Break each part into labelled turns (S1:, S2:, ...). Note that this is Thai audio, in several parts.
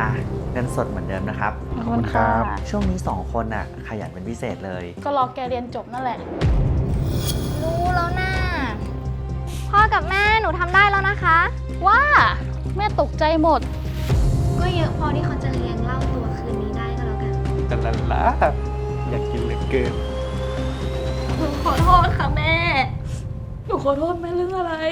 S1: อ่ะเงินสดเหมือนเดิมนะครับ
S2: ขอบคุณครับ
S1: ช่วงนี้2คนน่ะขยันเป็นพิเศษเลย
S2: ก็รอแกเรียนจบนั่นแหละ
S3: รู้แล้วนะพ่อกับแม่หนูทำได้แล้วนะคะ
S2: ว่าแม่ตกใจหมด
S3: ก็เยอะพอที่เขาจะเลี้ยงเหล้าตัวคืนนี้ได้ก็แล้วกัน
S1: กันละละอยากกินเหลือเกิน
S3: หนูขอโทษค่ะแม่
S2: หนูขอโทษแม่เรื่องอะไร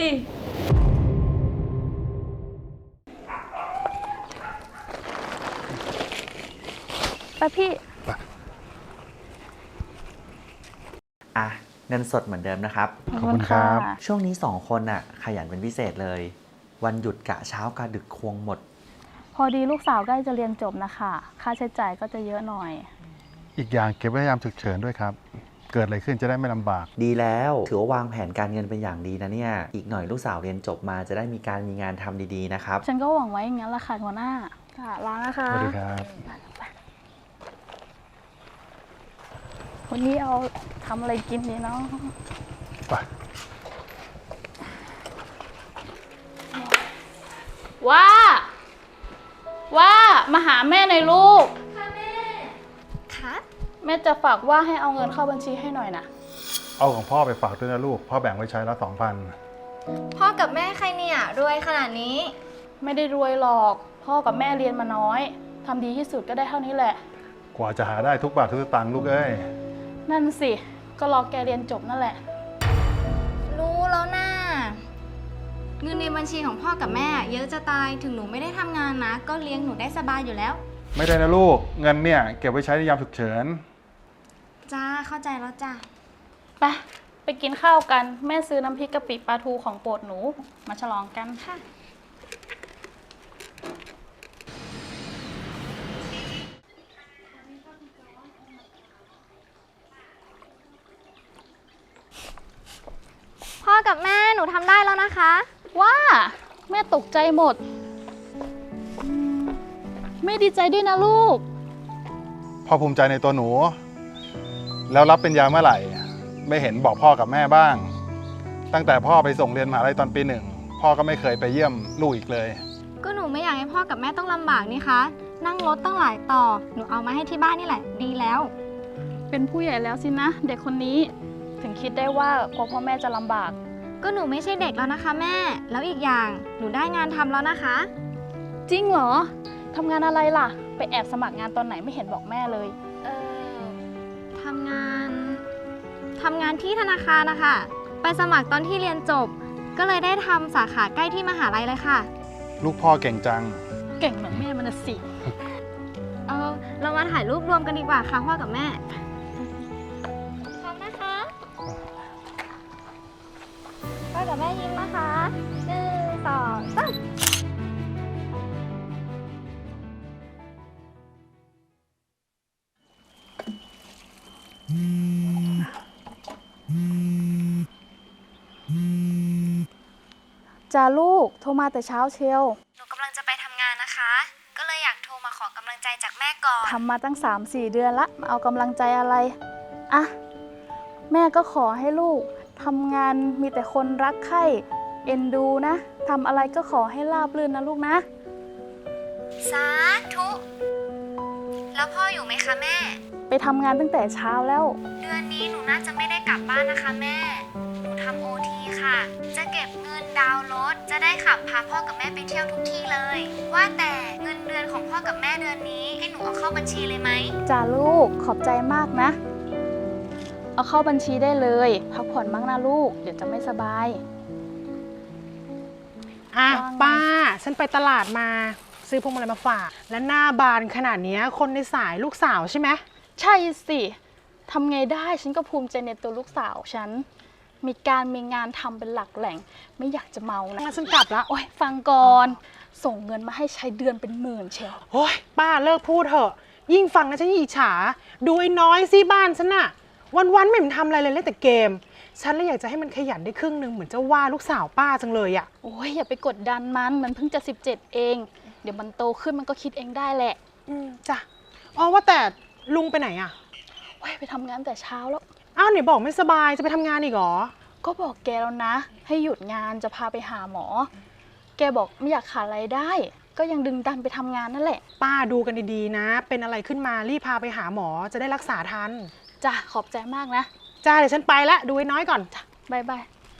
S2: ไปพี่
S1: อ่ะเงินสดเหมือนเดิมนะครับ
S2: ขอบคุณครับ
S1: ช่วงนี้2คนน่ะขยันเป็นพิเศษเลย วันหยุดกะเช้ากะดึกควงหมด
S2: พอดีลูกสาวใกล้จะเรียนจบนะคะค่าใช้จ่ายก็จะเยอะหน่อย
S4: อีกอย่างเก็บไว้ยามฉุกเฉินด้วยครับ เกิดอะไรขึ้นจะได้ไม่ลำบาก
S1: ดีแล้วถือว่าวางแผนการเงินเป็นอย่างดีนะเนี่ย อีกหน่อยลูกสาวเรียนจบมาจะได้มีงานทำดีๆนะครับ
S2: ฉันก็หวังไว้อย่างนั้นแหละค่ะหัวหน้าค่ะลานะคะ
S4: สวัสดีครับ
S2: วันนี้เอาทำอะไรกินดีเนาะ
S4: ไป
S2: ว่ามาหาแม่หน่อยลูก
S3: ค่ะแม่ ค่ะ
S2: แม่จะฝากว่าให้เอาเงินเข้าบัญชีให้หน่อยนะ
S4: เอาของพ่อไปฝากด้วยนะลูก พ่อแบ่งไว้ใช้ละ2,000
S3: พ่อกับแม่ใครเนี่ยรวยขนาดนี้
S2: ไม่ได้รวยหรอก พ่อกับแม่เรียนมาน้อยทำดีที่สุดก็ได้เท่านี้แหละ
S4: กว่าจะหาได้ทุกบาททุกสตางค์ลูกเอ้ย
S2: นั่นสิก็รอแกเรียนจบนั่นแหละ
S3: รู้แล้วนะเงินในบัญชีของพ่อกับแม่เยอะจะตายถึงหนูไม่ได้ทำงานนะ ก็เลี้ยงหนูได้สบายอยู่แล้ว
S4: ไม่ได้นะลูก เงินเนี่ยเก็บไว้ใช้ในยามฉุกเฉิน
S3: จ้าเข้าใจแล้วจ้า
S2: ไปกินข้าวกันแม่ซื้อน้ำพริกกะปิปลาทูของโปรดหนูมาฉลองกัน
S3: ค่ะ พ่อกับแม่หนูทำได้แล้วนะคะ
S2: ว่าแม่ตกใจหมดแม่ดีใจด้วยนะลูก
S4: พ่อภูมิใจในตัวหนู แล้วรับเป็นยาเมื่อไหร่ ไม่เห็นบอกพ่อกับแม่บ้าง ตั้งแต่พ่อไปส่งเรียนมหาลัยตอนปี 1 พ่อก็ไม่เคยไปเยี่ยมลูกอีกเลย
S3: ก็หนูไม่อยากให้พ่อกับแม่ต้องลำบากนี่คะ นั่งรถตั้งหลายต่อ หนูเอามาให้ที่บ้านนี่แหละ ดีแล้ว
S2: เป็นผู้ใหญ่แล้วสินะ เด็กคนนี้ถึงคิดได้ว่ากลัวพ่อแม่จะลำบาก
S3: ก็หนูไม่ใช่เด็กแล้วนะคะแม่ แล้วอีกอย่างหนูได้งานทำแล้วนะคะ
S2: จริงเหรอทำงานอะไรล่ะ ไปแอบสมัครงานตอนไหนไม่เห็นบอกแม่เลย
S3: ทำงานที่ธนาคารนะคะ ไปสมัครตอนที่เรียนจบ ก็เลยได้ทำสาขาใกล้ที่มหาลัยเลยค่ะ
S4: ลูกพ่อเก่งจัง
S2: เก่งเหมือนแม่มันนะสิ
S3: เรามาถ่ายรูปรวมกันดีกว่าค่ะพ่อกับแม่พร้อมนะคะพ่อกับแม่ยิ้มนะคะ1 2 3
S2: จ้าลูกโทรมาแต่เช้าเชียว
S3: หนูกำลังจะไปทำงานนะคะ ก็เลยอยากโทรมาขอกำลังใจจากแม่ก่อน
S2: ทำมาตั้ง 3-4 เดือนละมาเอากำลังใจอะไรอะแม่ก็ขอให้ลูกทำงานมีแต่คนรักใคร่เอ็นดูนะทำอะไรก็ขอให้ราบรื่นนะลูกนะ
S3: สาธุ แล้วพ่ออยู่ไหมคะแม่
S2: ไปทำงานตั้งแต่เช้าแล้ว
S3: เดือนนี้หนูน่าจะไม่ได้กลับบ้านนะคะแม่ หนูทำโอทีค่ะ จะเก็บเงินดาวน์รถ จะได้ขับพาพ่อกับแม่ไปเที่ยวทุกที่เลย ว่าแต่เงินเดือนของพ่อกับแม่เดือนนี้ให้หนูเอาเข้าบัญชีเลยไหม
S2: จ้าลูกขอบใจมากนะ เอาเข้าบัญชีได้เลย พักผ่อนบ้างนะลูก เดี๋ยวจะไม่สบาย
S5: อ่ะ
S2: ว่าไง
S5: ป้า ฉันไปตลาดมาซื้อพวงมาลัยมาฝาก และหน้าบานขนาดเนี้ยคนในสายลูกสาวใช่ไหม
S2: ใช่สิทำไงได้ฉันก็ภูมิใจในตัวลูกสาวฉัน มีงานทำเป็นหลักแหล่ง ไม่อยากจะเมานะ
S5: งั้นฉันกลับละ
S2: โอ้ยฟังก่อน ส่งเงินมาให้ใช้เดือนเป็นหมื่นเชียว
S5: โอ้ยป้าเลิกพูดเถอะ ยิ่งฟังนะฉันยิ่งอิจฉา ดูไอ้น้อยสิบ้านฉันน่ะ วันๆไม่เห็นทำอะไรเลยเล่นแต่เกม ฉันเลยอยากจะให้มันขยันได้ครึ่งหนึ่งเหมือนเจ้าว่าลูกสาวป้าจังเลยอะ
S2: โอ้ยอย่าไปกดดันมันเพิ่งจะ17เอง เดี๋ยวมันโตขึ้นมันก็คิดเองได้แหละ
S5: จ้ะอ๋อว่าแต่ลุงไปไหนอะ
S2: โอ้ยไปทำงานแต่เช้าแล้ว
S5: อ้าวไหนบอกไม่สบายจะไปทำงานอีกเหรอ
S2: ก็บอกแกแล้วนะ ให้หยุดงานจะพาไปหาหมอ แกบอกไม่อยากขาดรายได้ ก็ก็ยังดึงดันไปทำงานนั่นแหละ
S5: ป้าดูกันดีๆนะ เป็นอะไรขึ้นมารีบพาไปหาหมอจะได้รักษาทัน
S2: จ้ะขอบใจมากนะ
S5: จ้าเดี๋ยวฉันไปละดูไอ้น้อยก่อน
S2: บายบาย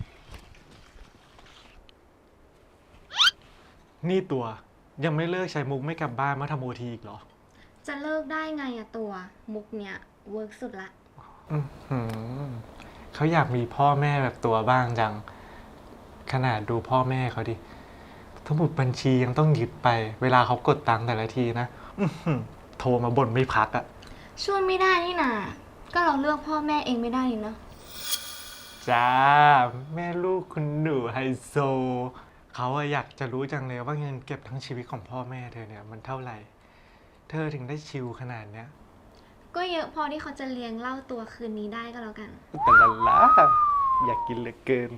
S6: นี่ตัวยังไม่เลิกใช้มุกไม่กลับบ้านมาทำโอทีอีกเหรอ
S3: จะเลิกได้ไงอะตัว มุกเนี้ยเวิร์กสุดละ
S6: อื้อหือเขาอยากมีพ่อแม่แบบตัวบ้างจัง ขนาดดูพ่อแม่เขาดิสมุดบัญชียังต้องยึดไป เวลาเขากดตังค์แต่ละทีนะอื้อหือโทรมาบ่นไม่พักอะ
S3: ช่วยไม่ได้นี่นาก็เราเลือกพ่อแม่เองไม่ได้นี่เนาะ
S6: จ้า แม่ลูกคุณหนูไฮโซ เขาอะอยากจะรู้จังเลยว่าเงินเก็บทั้งชีวิตของพ่อแม่เธอเนี่ยมันเท่าไหร่ เธอถึงได้ชิลขนาดเนี้ย
S3: ก็เยอะพอที่เขาจะเลี้ยงเหล้าตัวคืนนี้ได้ก็แล้วกัน
S6: แต่ละละอยากกินเหลือเกิน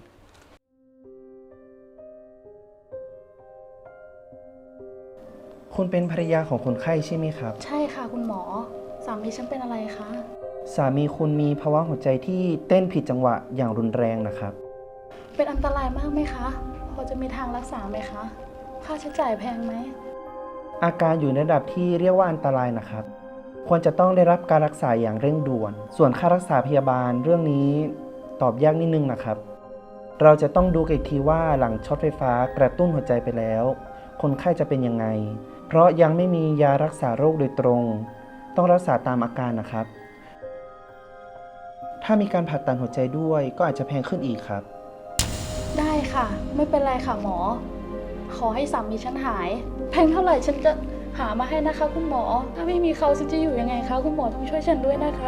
S7: คุณเป็นภรรยาของคนไข้ใช่ไหมครับ
S2: ใช่ค่ะคุณหมอ สามีฉันเป็นอะไรคะ
S7: สามีคุณมีภาวะหัวใจที่เต้นผิดจังหวะอย่างรุนแรงนะครับ
S2: เป็นอันตรายมากไหมคะ พอจะมีทางรักษาไหมคะ ค่าใช้จ่ายแพงไหม
S7: อาการอยู่ในระดับที่เรียกว่าอันตรายนะครับ ควรจะต้องได้รับการรักษาอย่างเร่งด่วน ส่วนค่ารักษาพยาบาลเรื่องนี้ตอบยากนิดนึงนะครับ เราจะต้องดูกันอีกทีว่าหลังช็อตไฟฟ้ากระตุ้นหัวใจไปแล้ว คนไข้จะเป็นยังไง เพราะยังไม่มียารักษาโรคโดยตรง ต้องรักษาตามอาการนะครับ ถ้ามีการผ่าตัดหัวใจด้วยก็อาจจะแพงขึ้นอีกครับ
S2: ได้ค่ะ ไม่เป็นไรค่ะหมอ ขอให้สามีฉันหาย แพงเท่าไหร่ฉันจะหามาให้นะคะคุณหมอ ถ้าไม่มีเขาฉันจะอยู่ยังไงคะคุณหมอต้องช่วยฉันด้วยนะคะ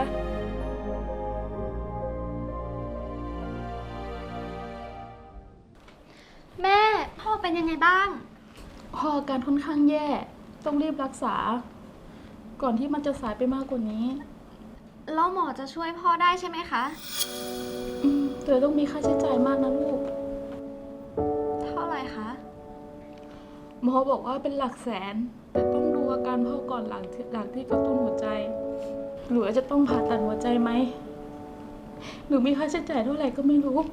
S3: แม่พ่อเป็นยังไงบ้าง
S2: พ่ออาการค่อนข้างแย่ ต้องรีบรักษา ก่อนที่มันจะสายไปมากกว่านี้
S3: แล้วหมอจะช่วยพ่อได้ใช่ไหมคะ
S2: แต่ต้องมีค่าใช้จ่ายมากนะลูก
S3: เท่าไหร่คะ
S2: หมอบอกว่าเป็นหลักแสน แต่ต้องดูอาการพ่อก่อนหลังที่กระตุ้นหัวใจ หรือว่าจะต้องผ่าตัดหัวใจไหม หรือมีค่าใช้จ่ายเท่าไหร่ก็ไม่รู้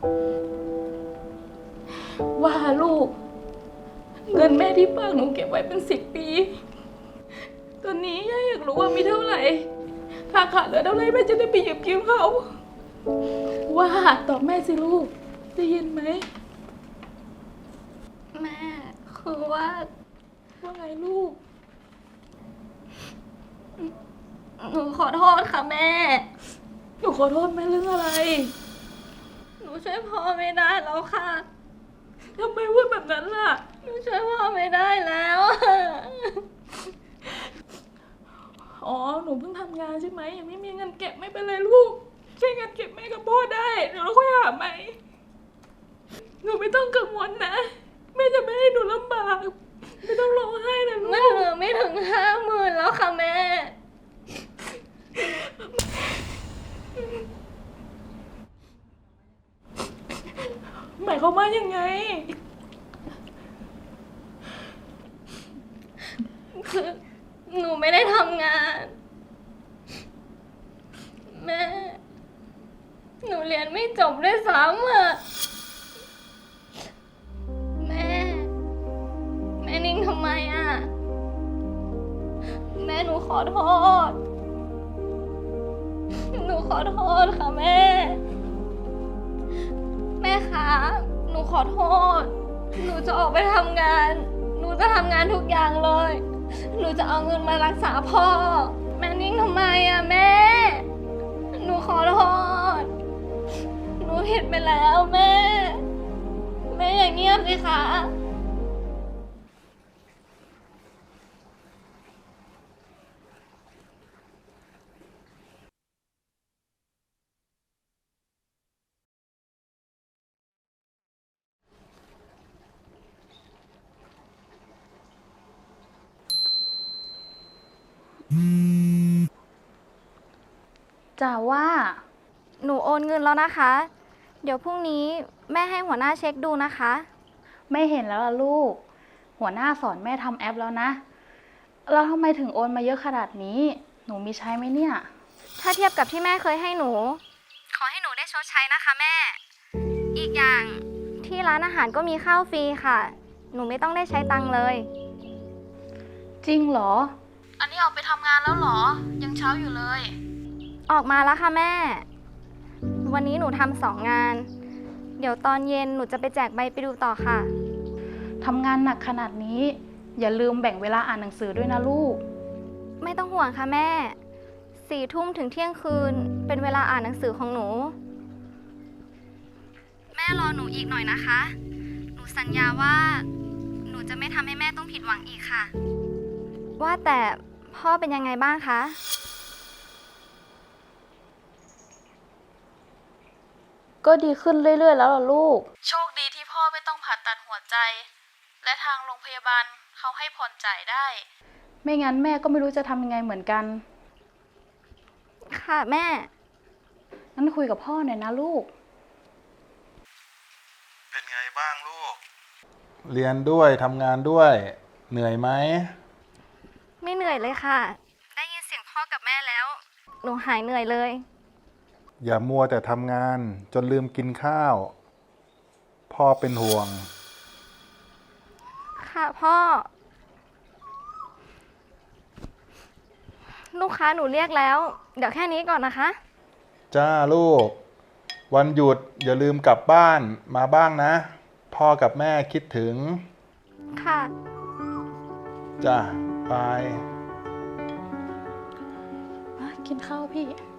S2: ว่าลูก เงินแม่ที่ฝากหนูเก็บไว้เป็น10 ปี ตอนนี้ย่าอยากรู้ว่ามีเท่าไหร่ ถ้าขาดเหลือเท่าไหร่แม่จะได้ไปหยิบยืมเขา ว่าตอบแม่สิลูก ได้ยินไหม
S3: แม่คือว่า
S2: ว่าไงลูก
S3: หนูขอโทษค่ะแม่
S2: หนูขอโทษแม่เรื่องอะไร
S3: หนูช่วยพ่อไม่ได้แล้วค่ะ
S2: ทำไมพูดแบบนั้นล่ะ
S3: หนูช่วยพ่อไม่ได้แล้ว
S2: อ๋อ หนูเพิ่งทำงานใช่ไหม ยังไม่มีเงินเก็บไม่เป็นไรลูก ใช้เงินเก็บแม่กับพ่อได้ เดี๋ยวเราค่อยหาใหม่ หนูไม่ต้องกังวลนะ แม่จะไม่ให้หนูลำบาก ไม่ต้องร้องไห้นะลู
S3: มัน
S2: ก
S3: เหลือไม่ถึง50,000แล้วค่ะแม่
S2: หมายความว่ายังไง
S3: คือหนูไม่ได้ทำงาน แม่ หนูเรียนไม่จบด้วยซ้ำอะแม่ แม่นิ่งทำไมอะแม่หนูขอโทษ หนูขอโทษค่ะแม่ แม่คะ หนูขอโทษ หนูจะออกไปทำงาน หนูจะทำงานทุกอย่างเลย หนูจะเอาเงินมารักษาพ่อ แม่นิ่งทำไมอะแม่ หนูขอโทษ หนูผิดไปแล้วแม่ แม่อย่างเงียบสิคะ
S2: จ่าว่า
S3: หนูโอนเงินแล้วนะคะ เดี๋ยวพรุ่งนี้แม่ให้หัวหน้าเช็คดูนะคะ
S2: ไม่เห็นแล้วล่ะลูก หัวหน้าสอนแม่ทำแอปแล้วนะ แล้วทำไมถึงโอนมาเยอะขนาดนี้ หนูมีใช้ไหมเนี่ย
S3: ถ้าเทียบกับที่แม่เคยให้หนู ขอให้หนูได้ชดใช้นะคะแม่ อีกอย่างที่ร้านอาหารก็มีข้าวฟรีค่ะ หนูไม่ต้องได้ใช้ตังค์เลย
S2: จริงเหรอ อันนี้ออกไปทำงานแล้วเหรอ ยังเช้าอยู่เลย
S3: ออกมาแล้วค่ะแม่ วันนี้หนูทำ2 งาน เดี๋ยวตอนเย็นหนูจะไปแจกใบไปดูต่อค่ะ
S2: ทำงานหนักขนาดนี้ อย่าลืมแบ่งเวลาอ่านหนังสือด้วยนะลูก
S3: ไม่ต้องห่วงค่ะแม่ 4 ทุ่มถึงเที่ยงคืน เป็นเวลาอ่านหนังสือของหนู แม่รอหนูอีกหน่อยนะคะ หนูสัญญาว่า หนูจะไม่ทำให้แม่ต้องผิดหวังอีกค่ะ ว่าแต่พ่อเป็นยังไงบ้างคะ
S2: ก็ดีขึ้นเรื่อยๆแล้วล่ะลูก โชคดีที่พ่อไม่ต้องผ่าตัดหัวใจ และทางโรงพยาบาลเขาให้ผ่อนจ่ายได้ ไม่งั้นแม่ก็ไม่รู้จะทำยังไงเหมือนกัน
S3: ค่ะแม่
S2: งั้นคุยกับพ่อหน่อยนะลูก
S4: เป็นไงบ้างลูก เรียนด้วยทำงานด้วย เหนื่อยไหม
S3: ไม่เหนื่อยเลยค่ะ ได้ยินเสียงพ่อกับแม่แล้ว หนูหายเหนื่อยเลย
S4: อย่ามัวแต่ทำงานจนลืมกินข้าว พ่อเป็นห่วง
S3: ค่ะพ่อ ลูกค้าหนูเรียกแล้ว เดี๋ยวแค่นี้ก่อนนะคะ
S4: จ้าลูก วันหยุดอย่าลืมกลับบ้านมาบ้างนะ พ่อกับแม่คิดถึง
S3: ค่ะ
S4: จ้าบาย
S2: กินข้าวพี่